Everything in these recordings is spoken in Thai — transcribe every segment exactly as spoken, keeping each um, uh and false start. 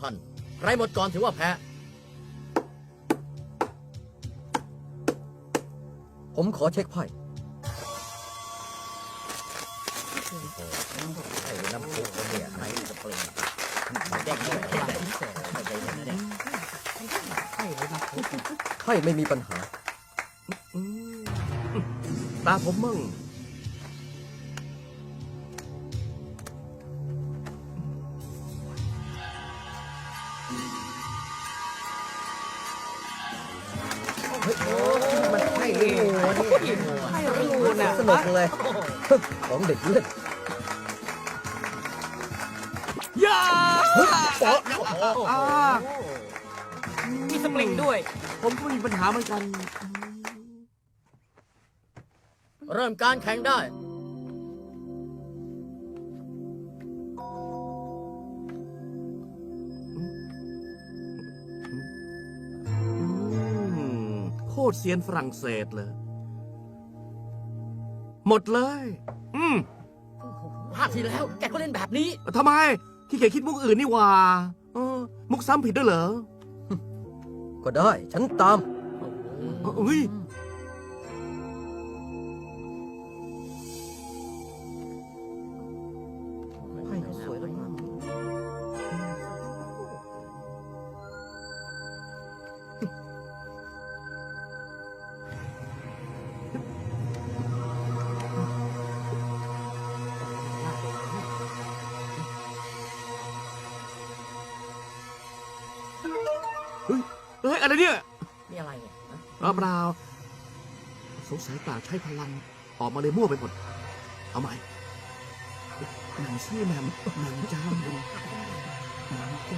พันใครหมดก่อนถือว่าแพ้ผมขอเช็คไพ่ไอ้น้ำพุเนี่ยไหนจะเปลี่ยนแจ้งด้วยไม่ใจเย็นนะเนี่ยไพ่ไม่มีปัญหาตาผมมั่งมันไพ่ลิงูนี่ไพ่ลิงูน่ะสนุกเลย ของเด็กเล่นย่าอ่ามีสปริงด้วยผมก็มีปัญหาเหมือนกันเริ่มการแข่งได้อืมโคตรเซียนฝรั่งเศสเลย หมดเลย อืมภาคที่แล้วแกก็เล่นแบบนี้ทำไมขี้เกียจคิดมุกอื่นนี่หว่าเออมุกซ้ำผิดด้วยเหรอก็ได้ ฉันตามเฮ้ยไพ่เขาสวยแล้วมากเฮ้ยเฮ้ยอะไรเนี่ยนี่อะไรเนี่ยฮะเอาเปล่าสงสัยปากใช้พลัง ออกมาเลยมั่วไปหมด เอาใหม่หนังซี่แหมมหนังจ้ามหนังจ้าม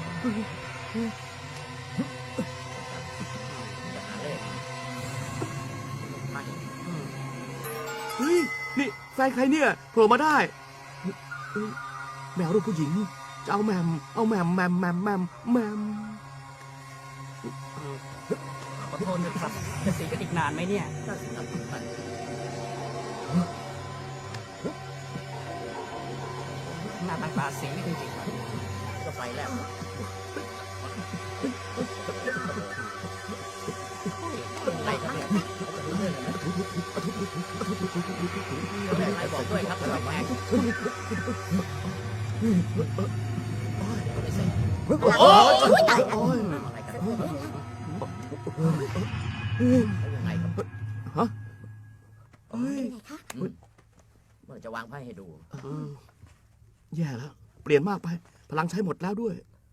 จะหาเลขไม่เฮ้ย นี่แฟนใครเนี่ยโผล่มาได้เฮ้ยแมวรูปผู้หญิง จะเอาแหมม เอาแหมมแหมมแหมมแหมมแหมมขอโทษนะครับจะสีกันอีกนานไหมเนี่ยน่าสิครับหน้าต่างตาสีจริงๆครับก็ไฟแล้วอะไรครับเนี่ยรู้เรื่องเลยนะแม่ใครบอกด้วยครับว่าแข่งไม่เสร็จโอ้ยโอ้ยอะไรกันยังไงครับฮะเฮ้ยเมื่อจะวางไพ่ให้ดูเออแย่แล้ว เปลี่ยนมากไป พลังใช้หมดแล้วด้วย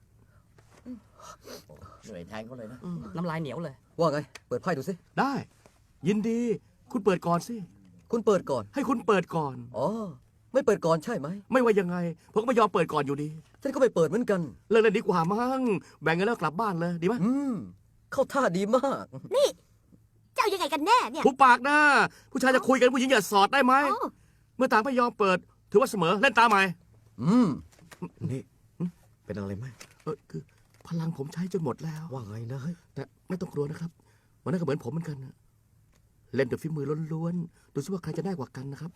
เหนื่อยแทนเขาเลยนะน้ำลายเหนียวเลยว่าไง เปิดไพ่ดูสิได้ ยินดี คุณเปิดก่อนสิคุณเปิดก่อนให้คุณเปิดก่อนอ๋อ ไม่เปิดก่อนใช่ไหมไม่ว่ายังไง ผมก็ไม่ยอมเปิดก่อนอยู่ดีฉันก็ไม่เปิดเหมือนกันเลิกเล่นดีกว่ามั้ง แบ่งกันแล้วกลับบ้านเลย ดีไหมอืม เข้าท่าดีมากนี่เจ้ายังไงกันแน่เนี่ยผู้ปากนะ ผู้ชายจะคุยกันผู้หญิงอย่าสอดได้ไหมโอ้เมื่อต่างไม่ยอมเปิด ถือว่าเสมอ เล่นตามใหม่อืมนี่ เป็นอะไรไหมเออคือ พลังผมใช้จนหมดแล้วว่าไงนะเฮ้ยแต่ไม่ต้องกลัวนะครับ วันนั้นก็เหมือนผมเหมือนกันนะเล่นด้วยฝีมือล้วนๆ ดูซิว่าใครจะได้กว่ากันนะครับ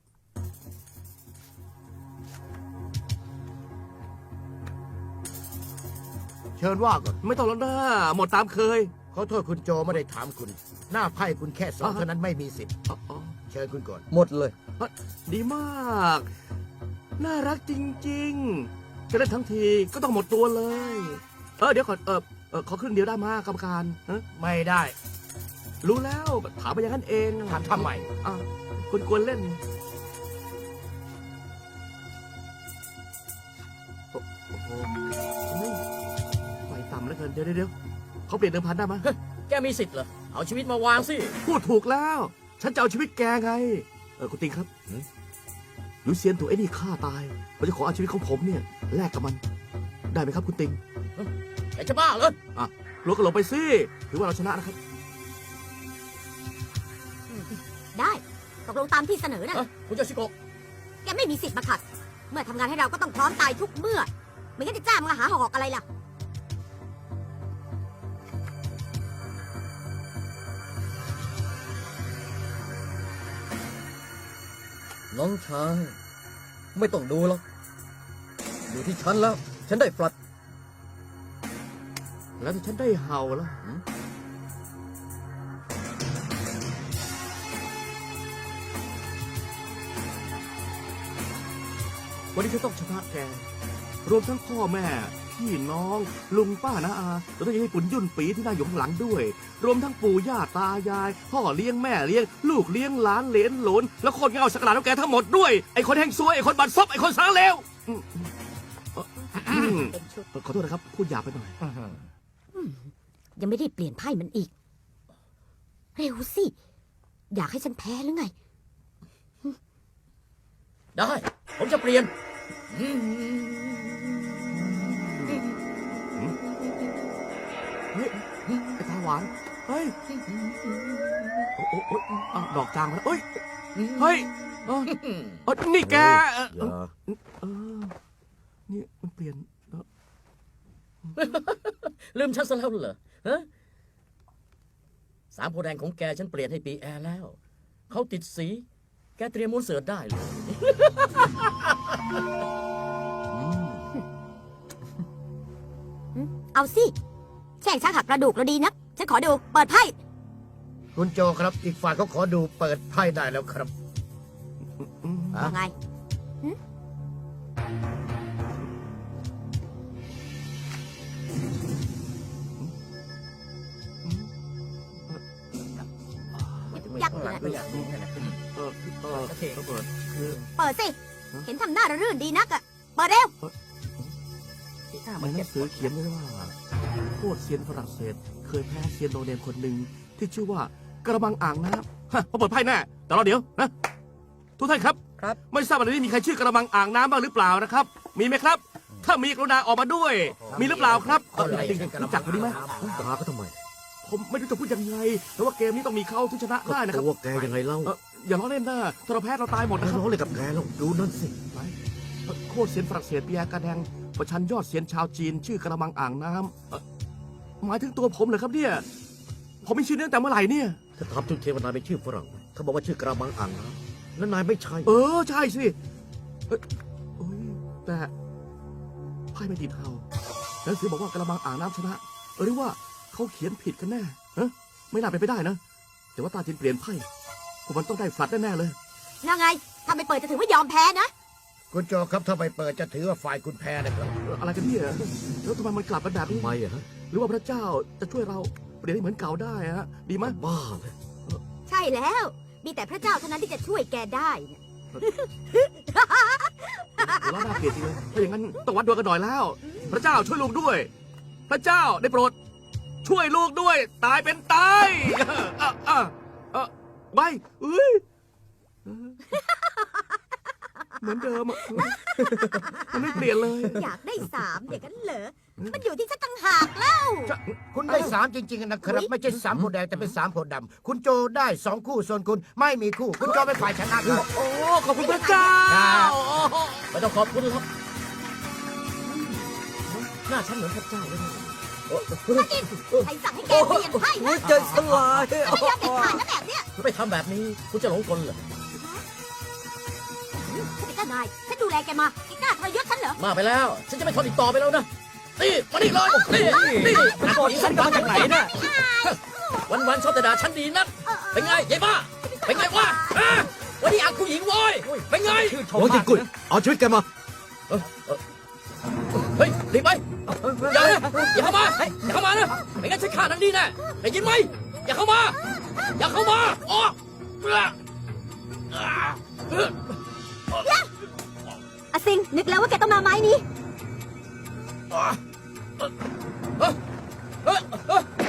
เชิญว่าก่อนไม่ต้องแล้วนะหมดตามเคยขอโทษคุณโจไม่ได้ถามคุณ หน้าไพ่คุณแค่สองอ่าฮะเท่านั้นไม่มีสิทธิ์อ๋ออ๋อเชิญคุณก่อนหมดเลยดีมาก น่ารักจริงๆ จะเล่นทั้งทีก็ต้องหมดตัวเลย เออเดี๋ยวก่อนเออเออขอครึ่งเดียวได้มากกรรมการฮะไม่ได้รู้แล้วถามไปอย่างนั้นเองถามทำไมอ่ะคุณควรเล่นโอ้โหเฮ้ยไฟต่ำเหลือเกินเดี๋ยวเดี๋ยวเดี๋ยวเขาเปลี่ยนเดิมพันได้ไหมแกมีสิทธิ์เหรอเอาชีวิตมาวางสิพูดถูกแล้ว ฉันจะเอาชีวิตแกไง เออคุณติงครับลูเซียนถูกไอ้นี่ฆ่าตายผมจะขอเอาชีวิตของผมเนี่ยแลกกับมัน ได้ไหมครับคุณติงแกจะบ้าเหรออ่ะลดกระโหลกไปสิถือว่าเราชนะนะครับได้ตกลงตามที่เสนอนะเอ้ยคุณโยชิโกะแกไม่มีสิทธิ์มาขัด เมื่อทำงานให้เราก็ต้องพร้อมตายทุกเมื่อ ไม่งั้นจะจ้างมาหาหอกอะไรล่ะน้องชาย ไม่ต้องดูหรอก อยู่ที่ฉันแล้ว ฉันได้ฟลัดแล้วถ้าฉันได้เห่าล่ะหืมวันนี้ฉันต้องชนะแก รวมทั้งพ่อแม่ พี่น้อง ลุงป้าน้าอาแล้วก็ยังให้ปุ่นยุ่นปีที่น่าอยู่ข้างหลังด้วย รวมทั้งปู่ย่าตายาย พ่อเลี้ยงแม่เลี้ยง ลูกเลี้ยงหลานเหลนหลน แล้วคนเงาสักหลาดของแกทั้งหมดด้วย ไอ้คนแห่งซวย ไอ้คนบัดซบไอ้คนสารเลวอืมอืมเป็นชุดขอโทษนะครับ พูดหยาบไปหน่อยยังไม่ได้เปลี่ยนไพ่มันอีก เร็วสิ อยากให้ฉันแพ้หรือไงได้ ผมจะเปลี่ยนเฮ้ยไอ้ตาหวาน เฮ้ย โอ้โอ้โอ้อ้าวดอกจางมาแล้วเอ้ย เฮ้ยเออเออนี่แกเอออย่าเออนี่มันเปลี่ยนเออลืมฉันซะแล้วเหรอฮะสามโพธิ์แดงของแกฉันเปลี่ยนให้ปีแอร์แล้ว เขาติดสี แกเตรียมม้วนเสือได้เลยเอาสิ แช่งชักหักกระดูกเราดีนัก ฉันขอดู เปิดไพ่คุณโจครับ อีกฝ่ายเขาขอดูเปิดไพ่ได้แล้วครับอืมฮะไง ยักษ์เลยก็อยากรู้แค่ไหนเออเออเออเปิดคือเปิดสิ เห็นทำหน้าระรื่นดีนักอะเปิดเร็วในหนังสือเขียนไว้ว่าโคตรเซียนฝรั่งเศส เคยแพ้เซียนโนเนมคนหนึ่งที่ชื่อว่ากระมังอ่างน้ำฮะพอเปิดไพ่แน่แต่รอเดี๋ยวนะทุกท่านครับครับไม่ทราบว่าในนี้มีใครชื่อกระมังอ่างน้ำบ้างหรือเปล่านะครับ มีไหมครับ ถ้ามีกรุณาออกมาด้วย มีหรือเปล่าครับเออจริงๆรู้จักคนนี้ไหมตาก็ทำไมผมไม่รู้จะพูดยังไง แต่ว่าเกมนี้ต้องมีเขาที่ชนะก็ได้นะครับตัวแกยังไงเล่าเอออย่าล้อเล่นนะถ้าเราแพ้เราตายหมดแล้นะวครับร้องเลยกับแกแล้วดูนั่นสิไหนเอ่อโคตรเซียนฝรั่งเศสเปียร์กาแดงประชันยอดเซียนชาวจีน ชื่อกระมังอ่างน้ำเอ่อหมายถึงตัวผมเหรอครับเนี่ย ผมมีชื่อนี้ตั้งแต่เมื่อไหร่เนี่ยถ้าถามถึงเทวนายเป็นชื่อฝรั่งเขาบอกว่าชื่อกระมังอ่างน้ำแล้วนายไม่ใช่เออ ใช่สิเอ้ยโอ้ยแต่ไพ่ไม่ติดเทาหนังสือบอกว่ากระมังอ่างน้ำชนะเออหรือว่าเขาเขียนผิดกันแน่ฮะไม่น่าเป็นไปได้นะ แต่ว่าตาจินเปลี่ยนไพ่พวกมันต้องได้ฝัดแน่ๆเลยยังไงถ้าไม่เปิดจะถือว่ายอมแพ้นะคุณโจครับถ้าไปเปิดจะถือว่าฝ่ายคุณแพ้นะครับเอ่ออะไรกันเนี่ยแล้วทำไมมันกลับมาแบบนี้ทำไมอะฮะหรือว่าพระเจ้าจะช่วยเราเปลี่ยนให้เหมือนเก่าได้ฮะดีไหมบ้าเลยใช่แล้ว มีแต่พระเจ้าเท่านั้นที่จะช่วยแกได้นะแล้วน่าเกลียดจริงเลยถ้าอย่างนั้นต้องวัดดวงกันหน่อยแล้ว พระเจ้าช่วยลูกด้วย พระเจ้าได้โปรด ช่วยลูกด้วย ตายเป็นตายเอ่อเอ่อเอ่อไปเอ้ยเออเหมือนเดิมอ่ะมันไม่เปลี่ยนเลยอยากได้สามอย่างนั้นเหรอ มันอยู่ที่ฉันต่างหากแล้วคุณได้สามจริงๆนะครับ ไม่ใช่สามโพธิ์แดงแต่เป็นสามโพธิ์ดำคุณโจได้สองคู่ส่วนคุณไม่มีคู่ คุณโจเป็นฝ่ายชนะครับโอ้ ขอบคุณพระเจ้าครับไม่ต้องขอบคุณหรอกหน้าฉันเหมือนพระเจ้าเลยนะใครสั่งให้แกเปลี่ยนไพ่นะใจสลายไม่ยอมเด็ดขาดนะแบบเนี้ยไม่ทำแบบนี้ คุณจะหลงกลเหรอฉันเป็นเจ้านาย ฉันดูแลแกมาแกกล้าทรยศฉันเหรอมาไปแล้ว ฉันจะไม่ทนอีกต่อไปแล้วนะ นี่ มานี่เลยนี่นี่กดฉันมาจากไหนเนี่ยวันวันๆชอบแต่ด่าฉันดีนัก เป็นไงยายบ้า เป็นไงวะฮะวันนี้อักผู้หญิงโว้ยเป็นไงชื่อชมโอ้ยมากกุ้ยเอาชีวิตแกมาเออเออเฮ้ยรีบไป อย่านะอย่าเข้ามา อย่าเข้ามานะไม่งั้นฉันฆ่านางดีแน่ได้ยินไหม อย่าเข้ามา อย่าเข้ามาออกเออเอออาซิง นึกแล้วว่าแกต้องมาไม้นี้เออเออเออ